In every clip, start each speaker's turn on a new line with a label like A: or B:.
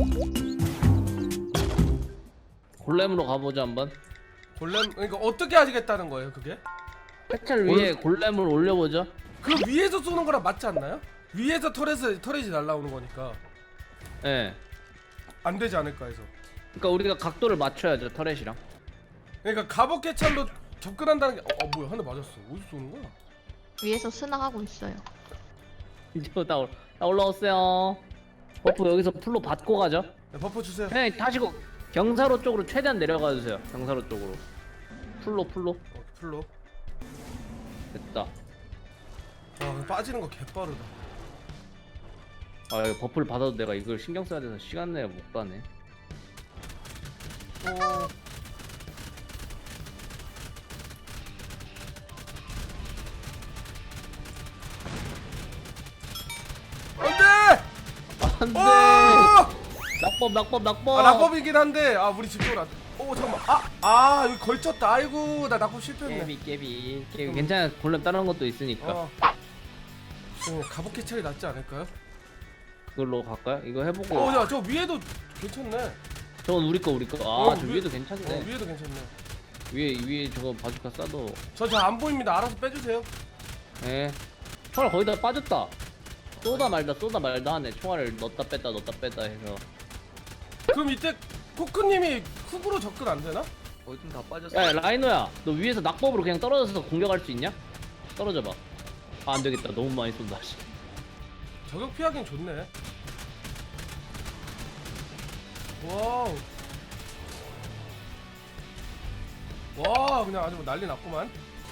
A: 골렘으로 가보자 한번.
B: 골렘 그러니까 어떻게 하시겠다는 거예요 그게?
A: 해철 위에 골렘을 올려보자.
B: 그 위에서 쏘는 거랑 맞지 않나요? 위에서 터렛이 날라오는 거니까
A: 예.
B: 안 되지 않을까 해서.
A: 그러니까 우리가 각도를 맞춰야죠 터렛이랑.
B: 그러니까 갑옷 개찰로 접근한다는 게 뭐야 한 대 맞았어. 어디서 쏘는 거야?
C: 위에서 스나가고 있어요.
A: 이제 나 올라오세요. 버프 여기서 풀로 받고 가죠.
B: 네, 버퍼 주세요.
A: 그냥 타시고 경사로 쪽으로 최대한 내려가 주세요. 경사로 쪽으로. 풀로
B: 풀로.
A: 됐다.
B: 빠지는 거 개빠르다.
A: 아 이거 버프를 받아도 내가 이걸 신경 써야 돼서 시간 내에 못 가네.
B: 안돼!
A: 안돼. 낙법.
B: 낙법이긴 한데 우리 집중을 안. 잠깐만. 여기 걸쳤다. 아이고 나 낙법 실패했네.
A: 깨비. 괜찮아. 골렘 다른 것도 있으니까.
B: 갑옷 개찰이 낫지 않을까요?
A: 그걸로 갈까요? 이거 해보고.
B: 야 저 위에도 괜찮네.
A: 저건 우리 거. 저 위에도 괜찮네.
B: 위에도 괜찮네.
A: 위에 저거 바주카 쏴도.
B: 저 잘 안 보입니다. 알아서 빼주세요.
A: 예. 총알 거의 다 빠졌다. 쏘다 말다 하네. 총알을 넣었다 뺐다 해서.
B: 그럼 이때 코크님이 훅으로 접근 안 되나?
D: 어딘 다 빠졌어.
A: 야 라이노야, 너 위에서 낙법으로 그냥 떨어져서 공격할 수 있냐? 떨어져봐. 안 되겠다. 너무 많이 쏜다.
B: 저격 피하긴 좋네. 와우. 와 그냥 아주 난리 났구만.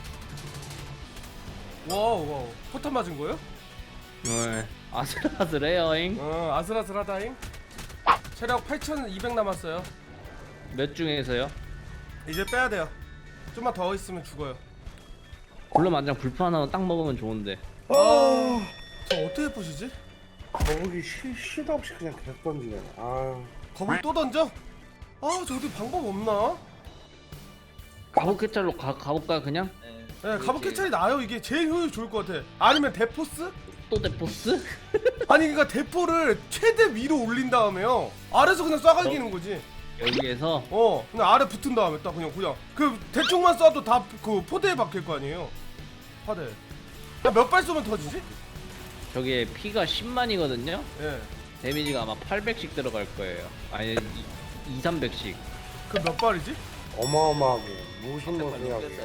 B: 와우. 포탄 맞은 거요?
A: 네. 아슬아슬해요잉.
B: 아슬아슬하다잉. 체력 8200 남았어요.
A: 몇 중에서요?
B: 이제 빼야 돼요. 좀만 더 있으면 죽어요.
A: 골렘 안장 불판 하나 딱 먹으면 좋은데.
B: 저 어떻게 보시지?
E: 거북이 시도 없이 그냥 계속 던지네.
B: 거북이 또 던져? 저 어디 방법 없나?
A: 가복 캐찰로 가볼까요 그냥?
B: 네, 갑옷 캐찰이 나아요. 이게 제일 효율 좋을 것 같아. 아니면 대포스?
A: 또 대포스?
B: 아니 그러니까 대포를 최대 위로 올린 다음에요. 아래서 그냥 쏴갈기는 거지.
A: 여기에서
B: 그냥 아래 붙은 다음에 딱 그냥 그 대충만 쏴도 다 그 포대에 박힐 거 아니에요. 포대. 몇 발 쏘면 터지지?
A: 저기에 피가 10만이거든요?
B: 예.
A: 데미지가 아마 800씩 들어갈 거예요. 아니 200~300씩.
B: 그 몇 발이지?
E: 어마어마하고 무신무신하게.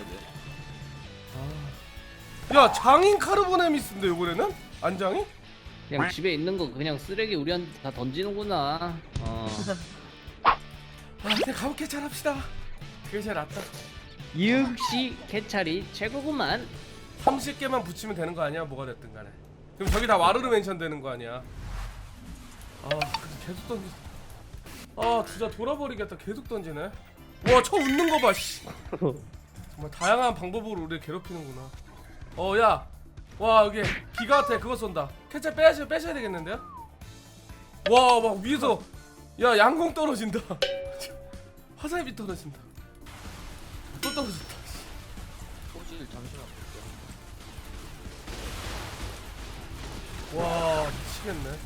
B: 야 장인 카르보네미스인데 이번에는? 안장이?
A: 그냥 집에 있는 거 그냥 쓰레기 우리한테 다 던지는구나.
B: 그냥 갑옷 캐찰 합시다. 그게 제일 낫다.
A: 역시 캐찰이 최고구만.
B: 30개만 붙이면 되는 거 아니야? 뭐가 됐든 간에. 그럼 저기 다 와르르 멘션 되는 거 아니야? 근데 계속 던지. 진짜 돌아버리겠다. 계속 던지네. 와, 저 웃는 거 봐. 씨. 정말 다양한 방법으로 우리를 괴롭히는구나. 야. 와, 여기 기가 같아. 그거 쏜다. 캐찰 빼셔야 되겠는데요? 와, 막 위에서 야, 양궁 떨어진다. 화살비 떨어진다. 또 떨어졌다.
D: 소질 잠시만 볼게요.
B: 와 미치겠네.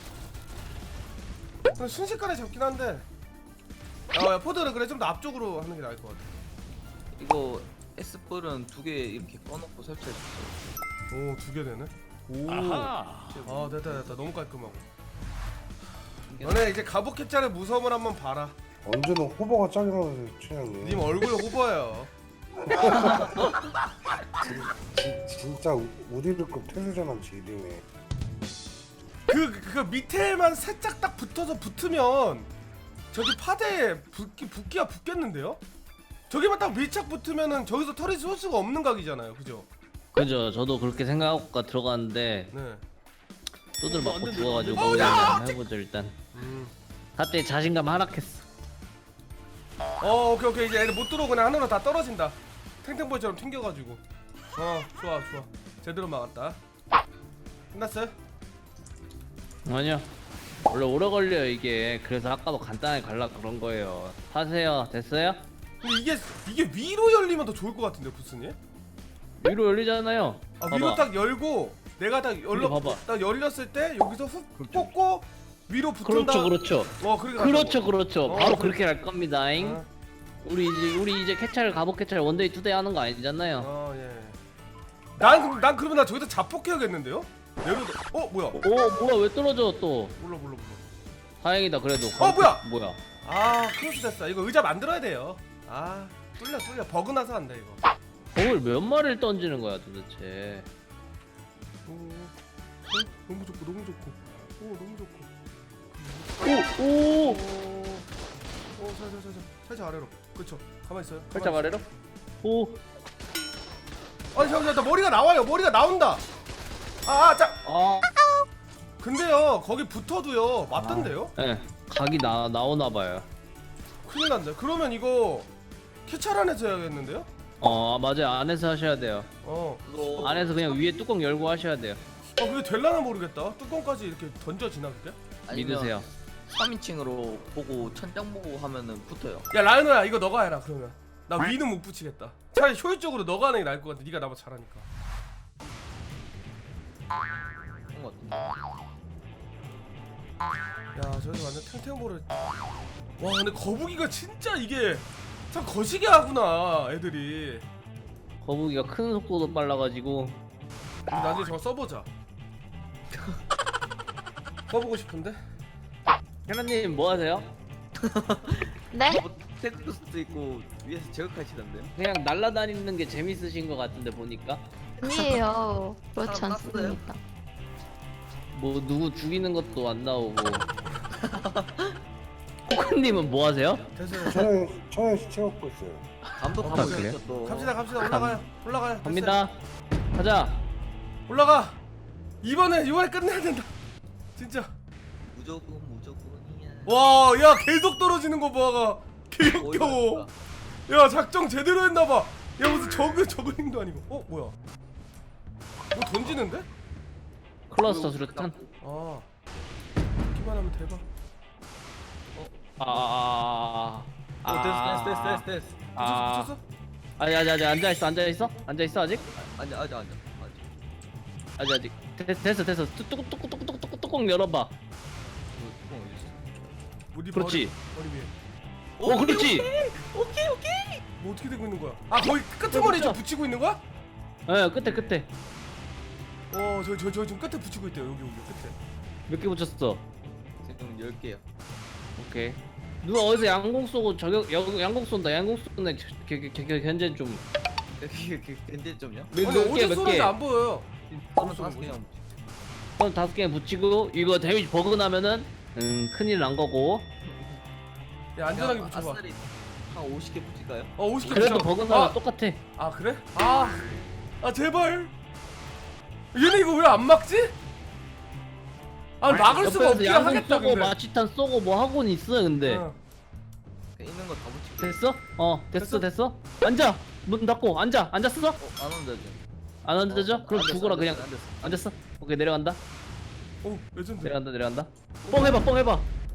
B: 순식간에 잡긴 한데. 야 포드를 그래 좀 더 앞쪽으로 하는 게 나을 것 같아.
D: 이거 S뿔은 2개 이렇게 꺼놓고 설치해 주세요.
B: 오 2개 되네. 오. 됐다. 너무 깔끔하고. 너네 이제 갑옷 캡짤의 무서움을 한번 봐라.
E: 언제는 호버가 짱이 나오세요, 최영님.
B: 님 얼굴 호버예요.
E: 진짜 우디르급 태세전환 질이네.
B: 그 밑에만 살짝 딱 붙으면 저기 파대에 붓기가 붙겠는데요? 저기만 딱 밀착 붙으면은 저기서 털이 쏠 수가 없는 각이잖아요, 그죠?
A: 그죠. 저도 그렇게 생각하고 들어갔는데
B: 네.
A: 또들 맞고 죽어가지고 그냥 해보죠 일단. 갑자기 자신감 하락했어.
B: 오케이 이제 애들 못 들어오고 그냥 하늘로 다 떨어진다. 탱탱볼처럼 튕겨가지고. 좋아 제대로 막았다. 끝났어요?
A: 아니요. 원래 오래 걸려요 이게. 그래서 아까도 간단하게 갈라 그런 거예요. 하세요. 됐어요?
B: 근데 이게 위로 열리면 더 좋을 것 같은데 부스님?
A: 위로 열리잖아요.
B: 위로
A: 봐봐.
B: 딱 열고 내가 딱
A: 봐봐.
B: 딱 열렸을 때 여기서 훅 뽑고 위로 붙은다.
A: 그렇죠.
B: 그렇게 간다고.
A: 그렇죠. 바로
B: 그래.
A: 그렇게 갈 겁니다잉.
B: 어,
A: 우리 이제 캐찰 갑옷 캐찰 원데이 투데이 하는 거 아니잖아요.
B: 예. 난 그러면 나 저기다 자폭해야겠는데요? 내려도 뭐야?
A: 오 뭐야 왜 떨어져 또?
B: 몰라.
A: 다행이다 그래도.
B: 뭐야? 크로스 됐어. 이거 의자 만들어야 돼요. 뚫려. 버그 나서 안돼 이거.
A: 공을 몇 마리를 던지는 거야 도대체?
B: 너무 좋고. 너무 좋고.
A: 오
B: 살짝 아래로. 그렇죠. 가만 있어요.
A: 살짝 아래로. 오.
B: 아니 잠시만, 머리가 나와요. 머리가 나온다. 자. 근데요, 거기 붙어도요, 맞던데요?
A: 예. 각이 나오나 봐요.
B: 큰일 난다. 그러면 이거 캐찰 안에서 해야겠는데요?
A: 맞아요. 안에서 하셔야 돼요.
D: 그거
A: 안에서 그냥 위에 뚜껑 열고 하셔야 돼요.
B: 그게 될라나 모르겠다. 뚜껑까지 이렇게 던져지나 그게?
A: 믿으세요.
D: 3인칭으로 보고 천장 보고 하면은 붙어요.
B: 야 라이너야, 이거 너가 해라 그러면. 나 위는 못 붙이겠다. 차라리 효율적으로 너가 하는 게 나을 것 같아. 네가 나보다 잘하니까.
D: 그런 것 같은데.
B: 야 저기 완전 탱탱볼을. 와 근데 거북이가 진짜 이게 참 거시기 하구나 애들이.
A: 거북이가 큰 속도도 빨라가지고.
B: 그럼 나중에 저거 써보자. 써보고 싶은데.
A: 혜나님 뭐 하세요?
C: 네?
D: 테크스도 있고 위에서 저격하시던데요?
A: 그냥 날아다니는 게 재밌으신 것 같은데 보니까.
C: 아니에요. 그렇지
D: 사람 땄어요?
C: 않습니다.
A: 뭐 누구 죽이는 것도 안 나오고. 코코님은 뭐 하세요?
B: 됐어요.
E: 저는 시체 먹고 있어요.
D: 감도
A: 그래요?
D: 가보셨죠 또.
B: 갑시다 올라가요. 됐어요.
A: 갑니다. 가자.
B: 올라가. 이번에 끝내야 된다. 진짜.
D: 무조건이야.
B: 와, 야 계속 떨어지는 거 봐가. 개역겨워. 야 작정 제대로 했나봐. 야 무슨 저글링도 아니고. 뭐야? 뭐 던지는데?
A: 클러스터 수류탄.
B: 기만 하면 대박.
D: 됐어.
B: 붙였어?
A: 아직 앉아 있어 아직.
D: 아직.
A: 아직. 됐어. 뚜껑 열어봐. 그렇지.
B: 머리 위에.
A: 그렇지.
D: 오케이.
B: 뭐 어떻게 되고 있는 거야? 거기 끄트머리 좀 붙이고 있는 거야?
A: 끝에.
B: 저 지금 끝에 붙이고 있대요. 여기 끝에.
A: 몇 개 붙였어?
D: 지금 10개요.
A: 오케이. 누가 어디서 양공 쏘고 양공 쏜다. 양공 쏘네. 견제 좀.
D: 근데 좀요?
B: 근데
A: 몇 개?
B: 어디 쏘는지 안 보여요.
D: 저는 5개요.
A: 그럼 5개 붙이고 이거 데미지 버그 나면은 큰일 난 거고.
B: 야 안전하게 붙여봐.
D: 아싸리 한 50개 붙일까요?
B: 50개
A: 그래도
B: 붙여.
A: 버그 나면 똑같아.
B: 그래? 제발. 얘네 이거 왜 안 막지? 막을 수가
A: 옆에서
B: 없긴
A: 양공
B: 하겠다
A: 쏘고
B: 근데.
A: 마취탄 쏘고 뭐 하고는 있어 근데.
D: 있는 거 다 붙일게요.
A: 됐어? 됐어? 앉아. 문 닫고 앉았어?
D: 안 온다 지금.
A: 안 앉아져? 그럼
D: 앉았어,
A: 죽어라 그냥.
D: 앉았어.
A: 앉았어? 오케이 내려간다.
B: 레전드.
A: 내려간다. 뻥 해봐.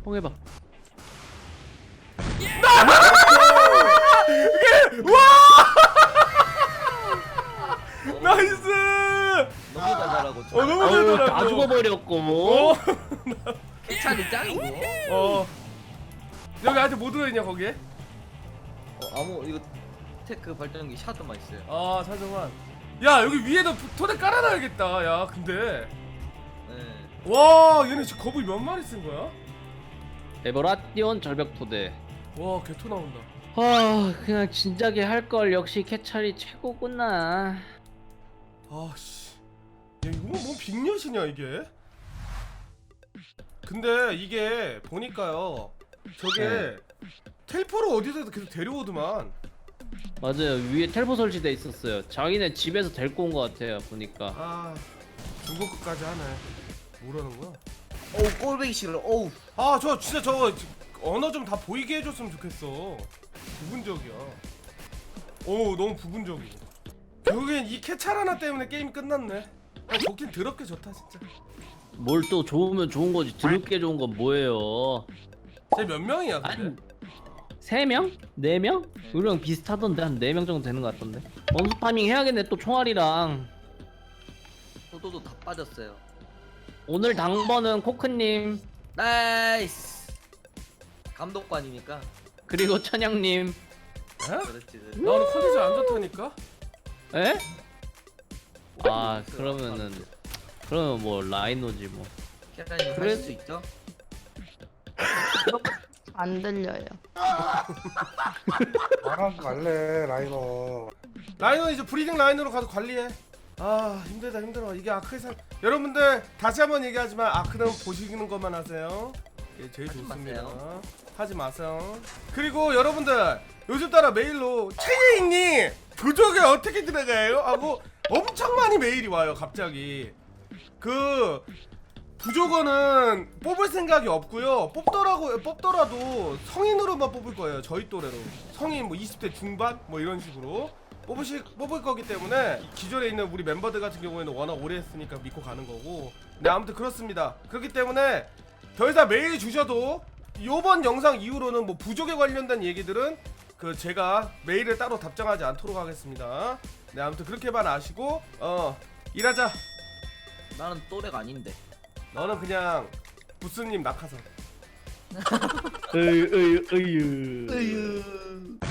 B: 나이스.
D: 너무 달달하고.
B: 너무
A: 다
B: 잘더라고.
A: 죽어버렸고.
D: 캐찰이 짱이고.
B: 여기 아직 뭐 들어있냐 거기에?
D: 이거 테크 발전기 샤드만 있어요.
B: 사정환. 야 여기 위에다 토대 깔아놔야겠다. 야 근데
D: 네.
B: 와 얘네 지금 거북이 몇 마리 쓴 거야?
A: 에버라티온 절벽토대.
B: 와 개토 나온다.
A: 그냥 진작에 할 걸. 역시 캐찰이 최고구나.
B: 씨. 야 이거 뭐 빅녀시냐 이게? 근데 이게 보니까요. 저게 텔포를 어디서 계속 데려오더만.
A: 맞아요. 위에 텔포 설치돼 있었어요. 자기네 집에서 데리고 온 것 같아요. 보니까.
B: 중국 끝까지 하네. 뭐라는 거야?
D: 꼴배기 싫어.
B: 저 진짜 저거 언어 좀 다 보이게 해줬으면 좋겠어. 부분적이야. 너무 부분적이고. 결국엔 이 캐찰 하나 때문에 게임이 끝났네. 좋긴 더럽게 좋다 진짜.
A: 뭘 또 좋으면 좋은 거지. 드럽게 좋은 건 뭐예요?
B: 쟤 몇 명이야 근데?
A: 아니 3명? 4명? 우리랑 비슷하던데 한 4명 정도 되는 것 같던데. 원수 파밍 해야겠네 또 총알이랑.
D: 포도도 다 빠졌어요.
A: 오늘 당번은 코크님.
D: 나이스. 감독관이니까.
A: 그리고 천양님.
B: 에?
D: 그렇지.
B: 나 오늘 컨디션 안 좋다니까?
A: 에? 아 그러면 뭐 라이노지 뭐.
D: 캐라님
A: 그래-
D: 하실 수 있죠?
C: 안 들려요.
E: 나랑 갈래 라이너.
B: 라이너 이제 브리딩 라인으로 가서 관리해. 아 힘들다 힘들어. 이게 아크에서 여러분들 다시 한번 얘기하지만 아크는 보시는 것만 하세요. 이게 제일
D: 하지
B: 좋습니다.
D: 마세요.
B: 하지 마세요. 그리고 여러분들 요즘 따라 메일로 최예인님 부족에 어떻게 들어가요? 하고 엄청 많이 메일이 와요 갑자기. 그 부족어는 뽑을 생각이 없고요. 뽑더라도 성인으로만 뽑을 거예요. 저희 또래로 성인 뭐 20대 중반 뭐 이런 식으로 뽑을 거기 때문에 기존에 있는 우리 멤버들 같은 경우에는 워낙 오래 했으니까 믿고 가는 거고. 네 아무튼 그렇습니다. 그렇기 때문에 더 이상 메일 주셔도 요번 영상 이후로는 뭐 부족에 관련된 얘기들은 그 제가 메일을 따로 답장하지 않도록 하겠습니다. 네 아무튼 그렇게만 아시고 일하자.
D: 나는 또래가 아닌데.
B: 너는 그냥 부스님 낙하산.
A: 으유.
D: 으유.